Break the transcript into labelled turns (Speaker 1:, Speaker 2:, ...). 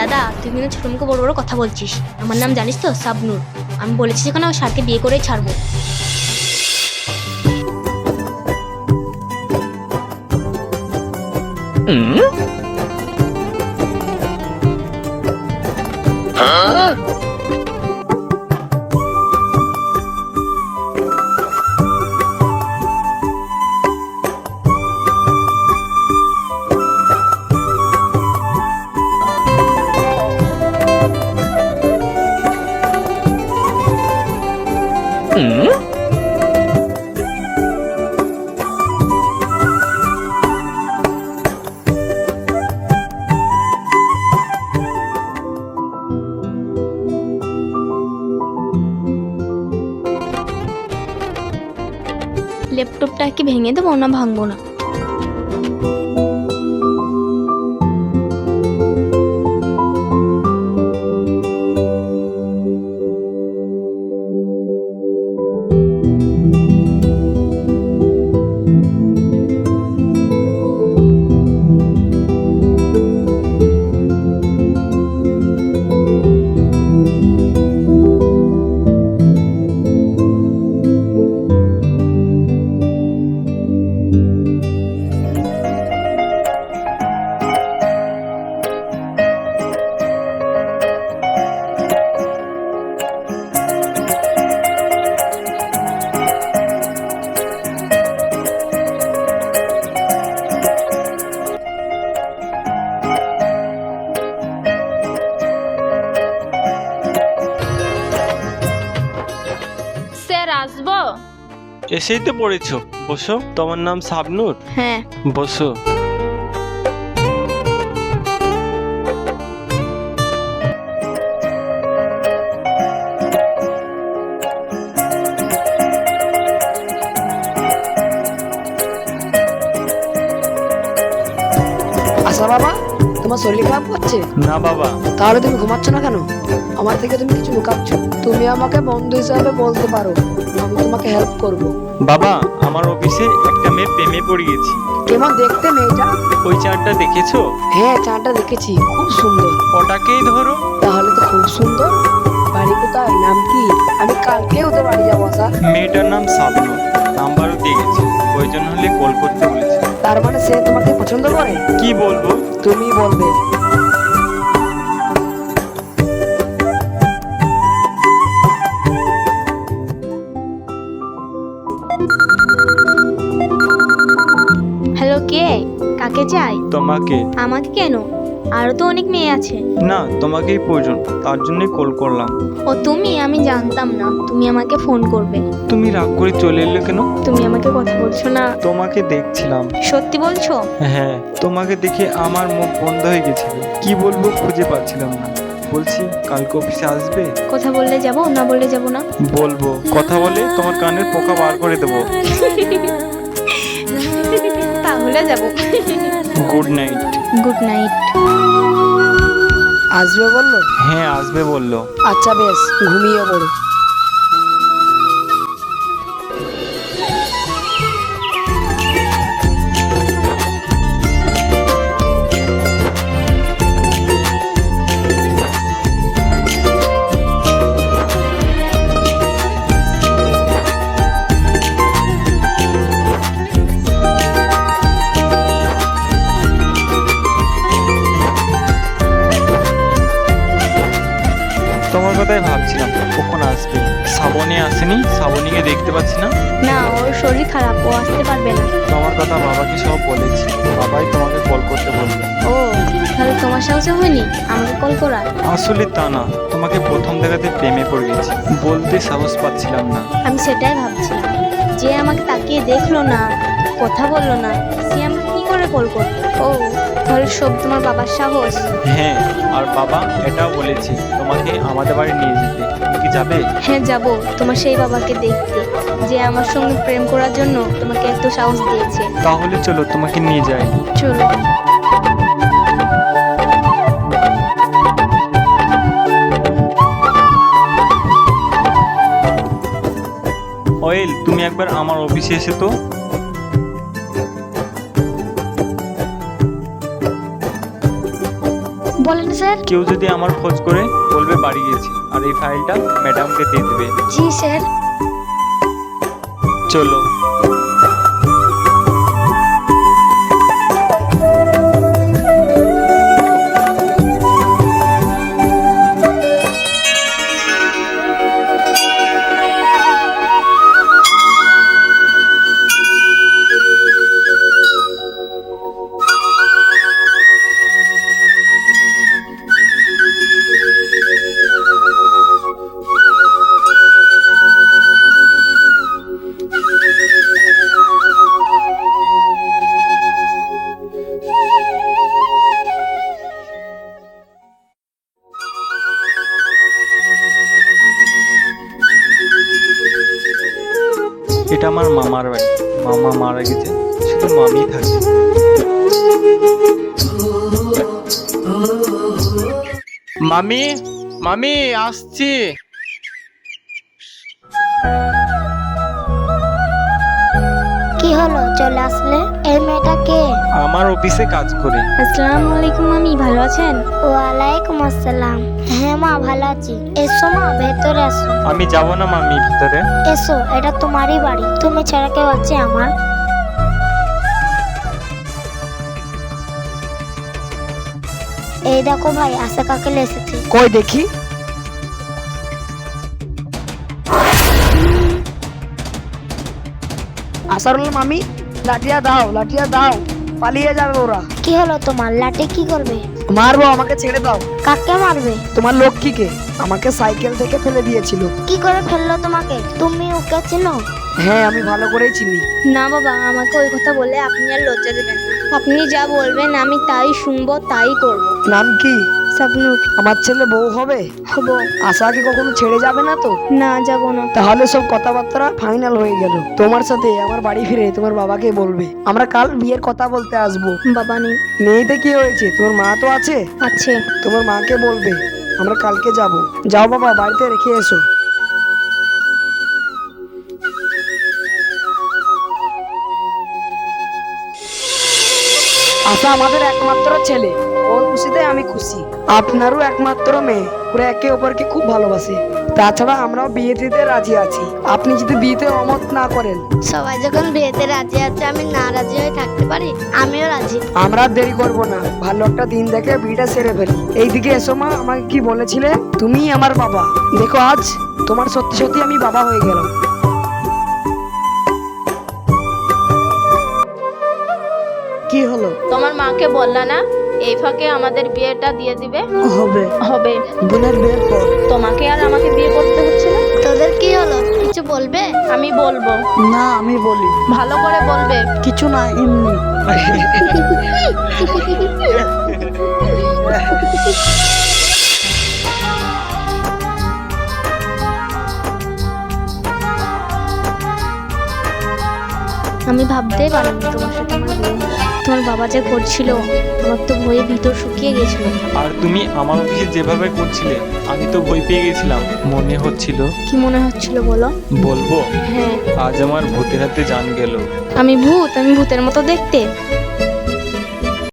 Speaker 1: দাদা, তুই কিন্তু ছোট মুখে বড় বড় কথা বলছিস। আমার নাম জানিস তো, শাবনূর। আমি বলেছি যেখানে আমার স্যারকে বিয়ে করেই ছাড়বো। ল্যাপটপটা কি ভেঙে দেবো না ভাঙবো না? স্যার, আসবো?
Speaker 2: এসেই তো পড়েছো, বসো। তোমার নাম শাবনূর?
Speaker 1: হ্যাঁ।
Speaker 2: বসো।
Speaker 3: আচ্ছা বাবা, তোমার শরীর খারাপ করছে?
Speaker 2: না বাবা।
Speaker 3: তাহলে তুমি ঘুমাচ্ছ না কেন? আমার থেকে তুমি কিছু লুকাচ্ছ। তুমি আমাকে বন্ধু হিসাবে বলতে পারো, আমি তোমাকে হেল্প করব।
Speaker 2: বাবা, আমার অফিসে একটা মেয়ে প্রেমে পড়ে গেছি।
Speaker 3: কেমন দেখতে মেয়েটা?
Speaker 2: ওই চারটা দেখেছো?
Speaker 3: হ্যাঁ, চাটা দেখেছি, খুব সুন্দর।
Speaker 2: ওটাকেই ধরো।
Speaker 3: তাহলে তো খুব সুন্দর। বাড়ি কোথায়, নাম কি? আমি কালকে ওদের বাড়ি যাবো। আশা,
Speaker 2: মেয়েটার নাম শাবনূর, নাম্বারও দিয়ে গেছি। প্রয়োজন হলে কল করতে বলেছি।
Speaker 3: তার মানে সে তোমাকে পছন্দ করে?
Speaker 2: কি বলবো?
Speaker 3: তুমি বলবে।
Speaker 1: হ্যালো, কে? কাকে চাই?
Speaker 2: তোমাকে।
Speaker 1: আমাকে কেন? আরো তো অনেক মেয়ে আছে।
Speaker 2: না, তোমাকেই প্রয়োজন, তার জন্যই কল করলাম।
Speaker 1: ও তুমি? আমি জানতাম না তুমি আমাকে ফোন করবে।
Speaker 2: তুমি রাগ করে চলে এলে কেন?
Speaker 1: তুমি আমাকে কথা বলছো না?
Speaker 2: তোমাকে দেখছিলাম।
Speaker 1: সত্যি বলছো?
Speaker 2: হ্যাঁ, তোমাকে দেখে আমার মুখ বন্ধ হয়ে গেছিল। কি বলবো খুঁজে পাচ্ছিলাম না। বলছি, কালকে অফিসে আসবে?
Speaker 1: কথা বললে যাব, না বললে যাব না?
Speaker 2: বলবো। কথা বলে তোমার কানের পোকা বার করে দেবো।
Speaker 1: তাহলে যাব।
Speaker 2: Good night.
Speaker 1: Good night.
Speaker 3: আসবে বললো?
Speaker 2: হ্যাঁ, আসবে বললো।
Speaker 3: আচ্ছা বেশ, ঘুমিয়ে পড়ো।
Speaker 2: তোমার কথাই ভাবছিলাম কখন আসবে। শ্রাবণী আসেনি, শ্রাবণীকে দেখতে পাচ্ছি না।
Speaker 1: না, ওর শরীর খারাপ, ও আসতে পারবে না।
Speaker 2: তোমার কথা বাবাকে সব বলেছি, বাবাই তোমাকে কল করতে বলবে।
Speaker 1: ও, তাহলে তোমার সাহসে হয়নি আমাকে কল করার?
Speaker 2: আসলে তা না, তোমাকে প্রথম দেখাতে প্রেমে পড়ে গেছি, বলতে সাহস পাচ্ছিলাম না।
Speaker 1: আমি সেটাই ভাবছি, যে আমাকে তাকিয়ে দেখলো না, কথা বললো না, সে আমাকে কি করে কল করবে? ও, তাহলে সব তোমার বাবার সাহস?
Speaker 2: হ্যাঁ, আর বাবা এটাও বলেছি তোমাকে আমাদের বাড়ি নিয়ে যেতে। তুমি কি যাবে?
Speaker 1: হ্যাঁ, যাব। তোমার সেই বাবাকে দেখতে, যে আমার সঙ্গে প্রেম করার জন্য তোমাকে এত সাহস দিয়েছে।
Speaker 2: তাহলে চলো, তোমাকে নিয়ে যাই।
Speaker 1: চলো।
Speaker 2: অয়েল, তুমি একবার আমার অফিসে এসে তো।
Speaker 1: বলেন স্যার। স্যার।
Speaker 2: কেউ যদি আমার খোঁজ করে বলবে বাড়ি গেছি, আর এই ফাইলটা ম্যাডামকে দিয়ে দেবে।
Speaker 1: জি স্যার।
Speaker 2: চলো। এটা আমার মামার বাড়ি। মামা মারা গেছে, শুধু মামি থাকে। মামি, মামি আসছি।
Speaker 4: কি হলো, চলে আসলে? এই মেয়েটা কে?
Speaker 2: আমার অফিসে কাজ করে।
Speaker 1: আসসালামু আলাইকুম মামি, ভালো আছেন?
Speaker 4: ওয়ালাইকুম আসসালাম। হ্যাঁ মা, ভালো আছি। এসো মা, ভেতরে এসো।
Speaker 2: আমি যাব না মামি ভিতরে।
Speaker 4: এসো, এটা তোমারই বাড়ি, তুমি ছাড়া কেউ আছে আমার? এই দেখো ভাই, আশা কাকেল এসেছে।
Speaker 3: কই দেখি। আসারুল মামি, লাঠিয়া দাও, লাঠিয়া দাও, পালিয়ে যাবে ওরা।
Speaker 4: কি হলো তোমার? লাঠি কি করবে?
Speaker 3: মারবো, আমাকে ছেড়ে দাও।
Speaker 4: কাকে মারবে?
Speaker 3: তোমার লক্ষ্মীকে। আমাকে সাইকেল থেকে ফেলে দিয়েছিল।
Speaker 4: কি করে ফেললো তোমাকে? তুমি ওকে চেনো?
Speaker 3: হ্যাঁ, আমি ভালো করেই চিনি।
Speaker 1: না বাবা, আমাকে ওই কথা বলে আপনি আর লজ্জা দেবেন না। আপনি যা বলবেন আমি তাই শুনবো, তাই করব।
Speaker 3: নাম কি?
Speaker 1: স্বপ্নুর।
Speaker 3: আমার ছেলে বউ হবে?
Speaker 1: হব।
Speaker 3: আশাকে কখনো ছেড়ে যাবে না তো?
Speaker 1: না, যাব না।
Speaker 3: তাহলে সব কথাবার্তা ফাইনাল হয়ে গেল। তোমার সাথে আমার বাড়ি ফিরে তোমার বাবাকে বলবে আমরা কাল বিয়ের কথা বলতে আসবো।
Speaker 1: বাবা নেই।
Speaker 3: মেয়েতে কি হয়েছে? তোমার মা তো আছে।
Speaker 1: আছে।
Speaker 3: তোমার মাকে বলবে আমরা কালকে যাব। যাও বাবা, বাড়িতে রেখে এসো। আশা আমাদের একমাত্র ছেলে, ওর খুশিতে আমি খুশি। আপনারও একমাত্র মেয়ে, ওরা একে অপরকে খুব ভালোবাসে। তাছাড়া আমরাও বিয়ে দিতে রাজি আছি, আপনি যদি বিয়েতে অমত না করেন।
Speaker 4: সবাই যখন বিয়েতে রাজি আছে, আমি না রাজি হয়ে থাকতে পারি? আমিও রাজি।
Speaker 3: আমরা আর দেরি করব না, ভালো একটা দিন দেখে বিয়েটা সেরে ফেলি। এইদিকে এসো মা, আমাকে কি বলেছিলে? তুমি আমার বাবা। দেখো আজ তোমার সত্যি সত্যি আমি বাবা হয়ে গেলাম। কি হলো?
Speaker 5: তোমার মাকে বললা না এই ফাঁকে আমাদের বিয়েটা দিয়ে দিবে?
Speaker 3: হবে
Speaker 5: হবে।
Speaker 3: বোনের বিয়ের পর।
Speaker 5: তোমাকে আর আমাকে বিয়ে করতে হচ্ছে না।
Speaker 4: তোদের কি হলো, কিছু বলবে?
Speaker 5: আমি বলবো।
Speaker 3: না, আমি বলি।
Speaker 5: ভালো করে বলবে।
Speaker 3: কিছু না, এমনি।
Speaker 1: আমি ভাবতেই পারিনি তোমার সাথে আমার বিয়ে হবে। তোমার বাবা যে করছিল, আমার তো ভয়ে ভিতর শুকিয়ে গেছিল।
Speaker 2: আর তুমি আমার অফিসে যেভাবে করছিলে, আমি তো ভয় পেয়ে গেছিলাম। মনে হচ্ছিল।
Speaker 1: কি মনে হচ্ছিল বলো?
Speaker 2: বলবো?
Speaker 1: হ্যাঁ।
Speaker 2: আজ আমার ভূতের হাতে জান গেল।
Speaker 1: আমি ভূত? আমি ভূতের মতো দেখতে?